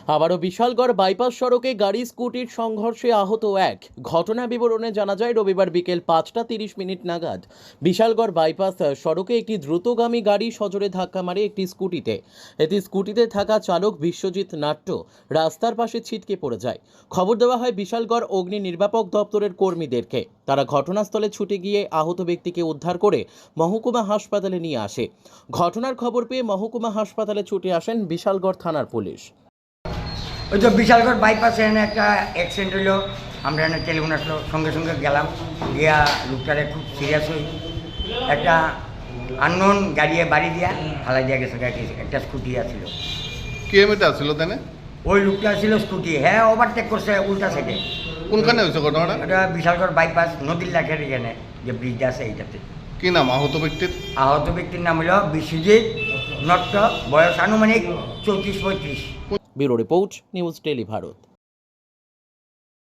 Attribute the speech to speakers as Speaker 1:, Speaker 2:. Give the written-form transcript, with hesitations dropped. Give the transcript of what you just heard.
Speaker 1: আবারও বিশালগড় বাইপাস সড়কে গাড়ি স্কুটির সংঘর্ষে আহত এক। ঘটনা বিবরণে জানা যায় রবিবার বিকেল 5:30 নাগাদ বিশালগড় বাইপাস সড়কে একটি দ্রুতগামী গাড়ি সজোরে ধাক্কা মারে একটি স্কুটিতে। এতে স্কুটিতে থাকা চালক বিশ্বজিৎ নাট্য রাস্তার পাশে ছিটকে পড়ে যায়। খবর দেওয়া হয় বিশালগড় অগ্নি নির্বাপক দপ্তরের কর্মীদেরকে। তারা ঘটনাস্থলে ছুটে গিয়ে আহত ব্যক্তিকে উদ্ধার করে মহকুমা হাসপাতালে নিয়ে আসে। ঘটনার খবর পেয়ে মহকুমা হাসপাতালে ছুটে আসেন বিশালগড় থানার পুলিশ।
Speaker 2: ওই তো বিশালগড় বাইপাসে এনে একটা অ্যাক্সিডেন্ট হইলো। আমরা এনে টেলিফোন আসলো, সঙ্গে সঙ্গে গেলাম, গিয়া লোকটারে খুব সিরিয়াস হই একটা আননোন গাড়িয়ে বাড়ি দিয়া ফালাই দিয়া গেছে। একটা স্কুটি আসছিল।
Speaker 3: কে মেতে আসছিল তানে?
Speaker 2: ওই লোকটা ছিল স্কুটি, হ্যাঁ ওভারটেক করছে উল্টা সাইডে।
Speaker 3: কোনখানে হয়েছে ঘটনাটা?
Speaker 2: এটা বিশালগড় বাইপাস নদীর লাখের এখানে যে ব্রিজটা আছে এইটাতে।
Speaker 3: কি নাম আহত ব্যক্তির?
Speaker 2: আহত ব্যক্তির নাম হলো বিশ্বজিৎ নট্ট, বয়স আনুমানিক 34-35।
Speaker 1: Bureau report, news tele Bharat.